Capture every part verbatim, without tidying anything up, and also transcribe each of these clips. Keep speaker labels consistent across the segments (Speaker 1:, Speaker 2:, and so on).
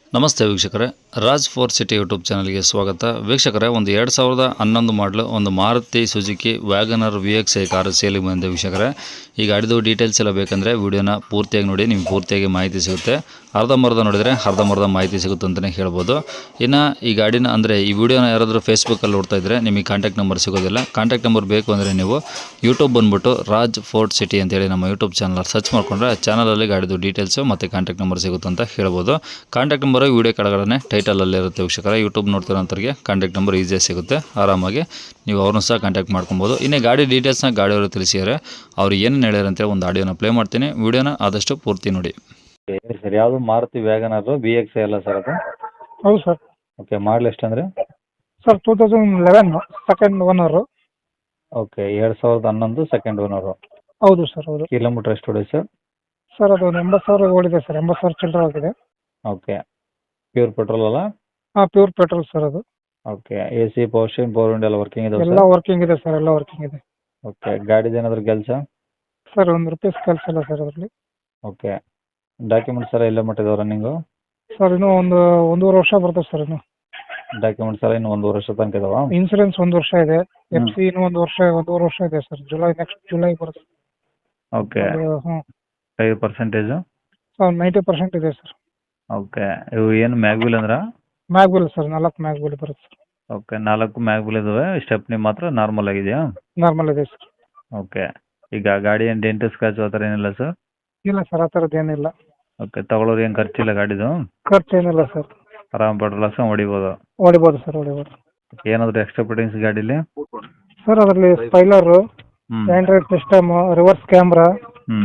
Speaker 1: ನಮಸ್ತೆ ವೀಕ್ಷಕರೇ, Raj four city YouTube ಚಾನಲ್ಗೆ ಸ್ವಾಗತ. ವೀಕ್ಷಕರೇ, ಒಂದು ಎರಡು ಸಾವಿರದ ಹನ್ನೊಂದು ಮಾಡಲು ಒಂದು Maruti Suzuki WagonR V X I car ಸೇಲಿಗೆ ಬಂದಿದೆ ವೀಕ್ಷಕರೇ. ಈ ಗಾಡಿದು ಡೀಟೇಲ್ಸ್ ಎಲ್ಲ ಬೇಕಂದರೆ ವಿಡಿಯೋನ ಪೂರ್ತಿಯಾಗಿ ನೋಡಿ, ನಿಮ್ಗೆ ಪೂರ್ತಿಯಾಗಿ ಮಾಹಿತಿ ಸಿಗುತ್ತೆ. ಅರ್ಧಂಬರ್ಧ ನೋಡಿದರೆ ಅರ್ಧಂಬರ್ಧ ಮಾಹಿತಿ ಸಿಗುತ್ತೆ ಅಂತಲೇ ಹೇಳ್ಬೋದು. ಇನ್ನು ಈ ಗಾಡಿನ ಅಂದರೆ ಈ ವಿಡಿಯೋನ ಯಾರಾದರೂ ಫೇಸ್ಬುಕ್ಕಲ್ಲಿ ನೋಡ್ತಾ ಇದ್ದರೆ ನಿಮಗೆ ಕಾಂಟ್ಯಾಕ್ಟ್ ನಂಬರ್ ಸಿಗೋದಿಲ್ಲ. ಕಾಂಟ್ಯಾಕ್ಟ್ ನಂಬರ್ ಬೇಕು ಅಂದರೆ ನೀವು ಯೂಟ್ಯೂಬ್ ಬಂದುಬಿಟ್ಟು ರಾಜ್ ಫೋರ್ಟ್ ಸಿಟಿ ಅಂತೇಳಿ ನಮ್ಮ ಯೂಟ್ಯೂಬ್ ಚಾನಲ್ ಸರ್ಚ್ ಮಾಡಿಕೊಂಡ್ರೆ ಚಾನಲಲ್ಲಿ ಗಾಡಿದು ಡೀಟೇಲ್ಸು ಮತ್ತು ಕಾಂಟ್ಯಾಕ್ಟ್ ನಂಬರ್ ಸಿಗುತ್ತೆ ಅಂತ ಹೇಳ್ಬೋದು. ಕಾಂಟ್ಯಾಕ್ಟ್ ನಂಬರ್ ವಿಡಿಯೋ ಕೆಳಗಡೆ ಟೈಟಲಲ್ಲಿ ಇರುತ್ತೆ ವೀಕ್ಷಕರ. ಯೂಟ್ಯೂಬ್ ನೋಡ್ತಿರೋಂಥವ್ರಿಗೆ ಕಾಂಟ್ಯಾಕ್ಟ್ ನಂಬರ್ ಈಸಿಯಾಗಿ ಸಿಗುತ್ತೆ, ಆರಾಮಾಗಿ ನೀವು ಅವ್ರನ್ನೂ ಸಹ ಕಾಂಟ್ಯಾಕ್ಟ್ ಮಾಡ್ಕೊಬೋದು. ಇನ್ನೇ ಗಾಡಿ ಡೀಟೇಲ್ಸ್ನ ಗಾಡಿಯವರು ತಿಳಿಸಿದ್ದಾರೆ, ಅವ್ರು ಏನೇನು ಹೇಳ್ಯಾರ ಅಂತೇಳಿ ಒಂದು ಆಡಿಯೋನ ಪ್ಲೇ ಮಾಡ್ತೀನಿ. ವಿಡಿಯೋನ ಆದಷ್ಟು ಪೂರ್ತಿ ನೋಡಿ. ಸರ್, ಯಾವುದು ಮಾರುತಿ ವ್ಯಾಗನರ್ ಬಿ ಎಕ್ಸ್ ಅಲ್ಲ ಸರ್ ಅದು?
Speaker 2: ಹೌದು ಸರ್.
Speaker 1: ಓಕೆ, ಮಾಡಲ್ ಎಷ್ಟಂದರೆ
Speaker 2: sir two thousand eleven second owner.
Speaker 1: Okay, ಎರಡು ಸಾವಿರದ ಹನ್ನೊಂದು ಸೆಕೆಂಡ್ ಓನರು.
Speaker 2: ಹೌದು ಸರ್, ಹೌದು.
Speaker 1: ಕಿಲೋಮೀಟರ್ ಎಷ್ಟು ಹೊಡೆ ಸರ್?
Speaker 2: ಸರ್ ಅದು ಒಂದು ಎಂಬತ್ತು ಸಾವಿರ ಓಡಿದೆ ಸರ್, ಎಂಬತ್ತು ಸಾವಿರ ಚಿಲ್ಲರೆ ಆಗಿದೆ.
Speaker 1: ಓಕೆ, ಪ್ಯೂರ್ ಪೆಟ್ರೋಲ್ ಅಲ್ಲ?
Speaker 2: ಹಾಂ, ಪ್ಯೂರ್ ಪೆಟ್ರೋಲ್ ಸರ್ ಅದು.
Speaker 1: Okay, A C power steering power window ಎಲ್ಲ ವರ್ಕಿಂಗ್ ಇದೆ
Speaker 2: ಎಲ್ಲ ವರ್ಕಿಂಗ್ ಇದೆ ಸರ್, ಎಲ್ಲ ವರ್ಕಿಂಗ್ ಇದೆ.
Speaker 1: ಓಕೆ, ಗಾಡಿದು ಏನಾದರೂ ಕೆಲಸ?
Speaker 2: ಸರ್ ಒಂದು ರೂಪೀಸ್ ಕೆಲಸ ಇಲ್ಲ ಸರ್ ಅದರಲ್ಲಿ.
Speaker 1: ಓಕೆ, ಡಾಕ್ಯುಮೆಂಟ್ಸ್ ಎಲ್ಲ ಎಲ್ಲ ಮಟ್ಟಿದೆ ರನ್ನಿಂಗು?
Speaker 2: ಸರ್ ಇನ್ನೂ ಒಂದು ಒಂದೂವರೆ ವರ್ಷ ಬರ್ತದೆ ಸರ್. ಇನ್ನು
Speaker 1: ಡಾಕ್ಯುಮೆಂಟ್ಸ್ ಎಲ್ಲ ಇನ್ನು ಒಂದು ವರ್ಷ ತನಕ ಇದಾವ?
Speaker 2: ಇನ್ಸೂರೆನ್ಸ್ ಒಂದು ವರ್ಷ ಇದೆ. ಎಫ್ ಸಿ ಇನ್ನೂ ಒಂದು ವರ್ಷ ಒಂದೂವರೆ ವರ್ಷ ಇದೆ ಸರ್. ಜುಲೈ ನೆಕ್ಸ್ಟ್ ಜುಲೈ ಬರುತ್ತೆ.
Speaker 1: ಓಕೆ,
Speaker 2: ಹ್ಞೂ
Speaker 1: tyre percentage?
Speaker 2: Sir ninety percent ಇದೆ ಸರ್.
Speaker 1: ಓಕೆ, ಇವು ಏನು ಮ್ಯಾಗ್ವಿಲ್ ಅಂದ್ರೆ?
Speaker 2: ಮ್ಯಾಗ್ವಿಲ್ ಸರ್, ನಾಲ್ಕು ಮ್ಯಾಗ್ವಿಲ್ ಬರುತ್ತೆ ಸರ್.
Speaker 1: ಓಕೆ, ನಾಲ್ಕು ಮ್ಯಾಗ್ವಿಲ್ ಇದಾವೆ. ಸ್ಟೆಪ್ನಿ ಮಾತ್ರ ನಾರ್ಮಲ್ ಆಗಿದೆಯಾ?
Speaker 2: ನಾರ್ಮಲ್ ಇದೆ ಸರ್.
Speaker 1: ಓಕೆ, ಈಗ ಗಾಡಿ ಏನು ಡೆಂಟ್ ಸ್ಕ್ರಾಚ್ ಆ ಥರ ಏನಿಲ್ಲ ಸರ್?
Speaker 2: ಇಲ್ಲ ಸರ್, ಆ ಥರದ್ದು ಏನಿಲ್ಲ.
Speaker 1: ಓಕೆ, ತಗೊಳ್ಳೋರು ಏನು ಖರ್ಚಿಲ್ಲ ಗಾಡಿದು?
Speaker 2: ಖರ್ಚು ಏನಿಲ್ಲ ಸರ್.
Speaker 1: ಆರಾಮ್ ಪೆಟ್ರೋಲ್ ಹಾಕ್ಸ್ಕೊಂಡು ಹೊಡಿಬೋದು?
Speaker 2: ಹೊಡಿಬೋದು ಸರ್, ಹೊಡಿಬೋದು.
Speaker 1: ಏನಾದರೂ ಎಕ್ಸ್ಟ್ರಾ ಫಿಟ್ಟಿಂಗ್ಸ್ ಗಾಡೀಲಿ?
Speaker 2: ಸರ್ ಅದರಲ್ಲಿ ಸ್ಪೈಲರು,
Speaker 1: ಹ್ಞೂ
Speaker 2: ಆಂಡ್ರಾಯ್ಡ್ ಸಿಸ್ಟಮ್, ರಿವರ್ಸ್ ಕ್ಯಾಮ್ರಾ,
Speaker 1: ಹ್ಞೂ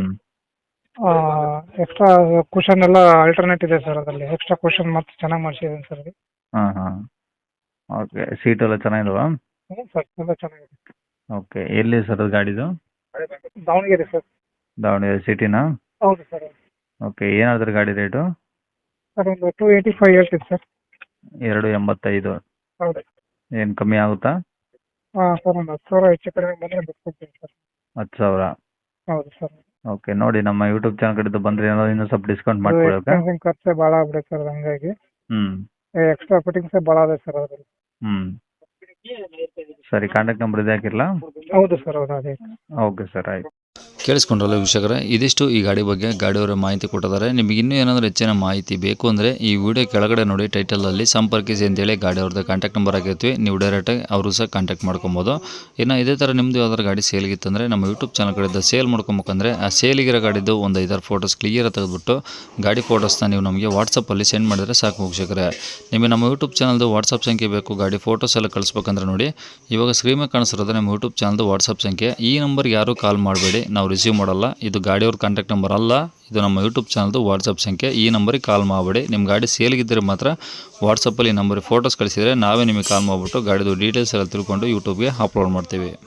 Speaker 2: ಎಕ್ಸ್ಟ್ರಾ ಕುಷನ್ ಎಲ್ಲ ಆಲ್ಟರ್ನೇಟ್ ಇದೆ ಸರ್. ಅದರಲ್ಲಿ ಎಕ್ಸ್ಟ್ರಾ ಕುಷನ್ ಮತ್ತೆ ಚೆನ್ನಾಗಿ ಮಾಡಿಸಿದ್ದೀನಿ ಸರ್.
Speaker 1: ಹಾಂ ಹಾಂ ಓಕೆ, ಸೀಟ್ ಎಲ್ಲ ಚೆನ್ನಾಗಿದಾವ?
Speaker 2: ಹ್ಞೂ ಸರ್, ಎಲ್ಲ ಚೆನ್ನಾಗಿದೆ.
Speaker 1: ಓಕೆ, ಎಲ್ಲಿ ಸರ್ ಅದು ಗಾಡಿದು?
Speaker 2: ದಾವಣಗೆರೆ ಸರ್.
Speaker 1: ದಾವಣಗೆರೆ ಸಿಟಿನಾ?
Speaker 2: ಹೌದು ಸರ್.
Speaker 1: ಓಕೆ, ಏನಾದ್ರೆ ಗಾಡಿ ರೇಟು?
Speaker 2: ಸರ್ ಒಂದು ಟೂ ಏಯ್ಟಿ ಫೈವ್ ಹೇಳ್ತೀನಿ ಸರ್.
Speaker 1: ಎರಡು ಎಂಬತ್ತೈದು.
Speaker 2: ಹೌದು.
Speaker 1: ಏನು ಕಮ್ಮಿ ಆಗುತ್ತಾ?
Speaker 2: ಹಾಂ ಸರ್, ಒಂದು ಹತ್ತು ಸಾವಿರ ಹೆಚ್ಚು ಕಡಿಮೆ ಬಂದರೆ ಬಿಟ್ಕೊಡ್ತೀನಿ ಸರ್.
Speaker 1: ಹತ್ತು ಸಾವಿರ?
Speaker 2: ಹೌದು ಸರ್.
Speaker 1: ಓಕೆ, ನೋಡಿ ನಮ್ಮ ಯೂಟ್ಯೂಬ್ ಚಾನಲ್ ಕಡೆದು ಬಂದರೆ ಏನಾದ್ರು ಇನ್ನೂ ಸ್ವಲ್ಪ ಡಿಸ್ಕೌಂಟ್ ಮಾಡಿಕೊಡೋಕೆ?
Speaker 2: ಎಕ್ಸ್ಪೆನ್ಸಿಂಗ್ ಖರ್ಚೆ ಭಾಳ ಆಗ್ಬಿಡುತ್ತೆ ಸರ್, ಹಂಗಾಗಿ
Speaker 1: ಹ್ಞೂ
Speaker 2: ಎಕ್ಸ್ಟ್ರಾ ಫಿಟ್ಟಿಂಗ್ಸೇ ಭಾಳ ಇದೆ ಸರ್ ಅದರಲ್ಲಿ.
Speaker 1: ಹ್ಞೂ ಸರಿ, ಕಾಂಟ್ಯಾಕ್ಟ್ ನಂಬರ್ ಇದೆ ಹಾಕಿರಲಾ?
Speaker 2: ಹೌದು ಸರ್, ಹೌದು ಅದೇ.
Speaker 1: ಓಕೆ ಸರ್, ಆಯ್ತು. ಕೇಳಿಸ್ಕೊಂಡ್ರಲ್ಲ ವೀಕ್ಷಕರೇ, ಇದಿಷ್ಟು ಈ ಗಾಡಿ ಬಗ್ಗೆ ಗಾಡಿಯವರ ಮಾಹಿತಿ ಕೊಟ್ಟಿದ್ದಾರೆ. ನಿಮಗೆ ಇನ್ನೂ ಏನಾದರೂ ಹೆಚ್ಚಿನ ಮಾಹಿತಿ ಬೇಕು ಅಂದರೆ ಈ ವಿಡಿಯೋ ಕೆಳಗಡೆ ನೋಡಿ ಟೈಟಲಲ್ಲಿ ಸಂಪರ್ಕಿಸಿ ಅಂತೇಳಿ ಗಾಡಿಯವ್ರದ್ದು ಕಾಂಟ್ಯಾಕ್ಟ್ ನಂಬರ್ ಹಾಕಿರ್ತೀವಿ. ನೀವು ಡೈರೆಕ್ಟಾಗಿ ಅವರು ಸಹ ಕಾಂಟ್ಯಾಕ್ಟ್ ಮಾಡ್ಕೊಬೋದು. ಇನ್ನು ಇದೇ ಥರ ನಿಮ್ಮದು ಯಾವ್ದಾದ್ರು ಗಾಡಿ ಸೇಲ್ಗಿತ್ತಂದರೆ ನಮ್ಮ ಯೂಟ್ಯೂಬ್ ಚಾನಲ್ ಕಡೆಯಿಂದ ಸೇಲ್ ಮಾಡ್ಕೊಬೇಕಂದ್ರೆ ಆ ಸೇಲಿಗಿರೋ ಗಾಡಿದ್ದು ಒಂದು ಐದಾರು ಫೋಟೋಸ್ ಕ್ಲಿಯರ್ ತೆಗೆದುಬಿಟ್ಟು ಗಾಡಿ ಫೋಟೋಸ್ನ ನೀವು ನಮಗೆ ವಾಟ್ಸಪ್ಪಲ್ಲಿ ಸೆಂಡ್ ಮಾಡಿದರೆ ಸಾಕು ವೀಕ್ಷಕರೇ. ನಿಮಗೆ ನಮ್ಮ ಯೂಟ್ಯೂಬ್ ಚಾನಲ್ದು ವಾಟ್ಸಪ್ ಸಂಖ್ಯೆ ಬೇಕು, ಗಾಡಿ ಫೋಟೋಸ್ ಎಲ್ಲ ಕಳಿಸ್ಬೇಕಂದ್ರೆ ನೋಡಿ ಇವಾಗ ಸ್ಕ್ರೀನ್ ಮೇಲೆ ಕಾಣಿಸಿರೋದು ನಮ್ಮ ಯೂಟ್ಯೂಬ್ ಚಾನಲ್ದು ವಾಟ್ಸಪ್ ಸಂಖ್ಯೆ. ಈ ನಂಬರ್ಗೆ ಯಾರೂ ಕಾಲ್ ಮಾಡಬೇಡಿ, ನಾವು ರಿಸೀವ್ ಮಾಡಲ್ಲ. ಇದು ಗಾಡಿಯವ್ರ ಕಾಂಟ್ಯಾಕ್ಟ್ ನಂಬರ್ ಅಲ್ಲ, ಇದು ನಮ್ಮ ಯೂಟ್ಯೂಬ್ ಚಾನಲ್ದು ವಾಟ್ಸಪ್ ಸಂಖ್ಯೆ. ಈ ನಂಬರಿಗೆ ಕಾಲ್ ಮಾಡಬೇಡಿ. ನಿಮ್ಮ ಗಾಡಿ ಸೇಲ್ಗಿದ್ದರೆ ಮಾತ್ರ ವಾಟ್ಸಪ್ಪಲ್ಲಿ ಈ ನಂಬರಿಗೆ ಫೋಟೋಸ್ ಕಳಿಸಿದರೆ ನಾವೇ ನಿಮಗೆ ಕಾಲ್ ಮಾಡಿಬಿಟ್ಟು ಗಾಡಿದು ಡೀಟೇಲ್ಸ್ ಎಲ್ಲ ತಿಳ್ಕೊಂಡು ಯೂಟ್ಯೂಬ್ಗೆ ಅಪ್ಲೋಡ್ ಮಾಡ್ತೀವಿ.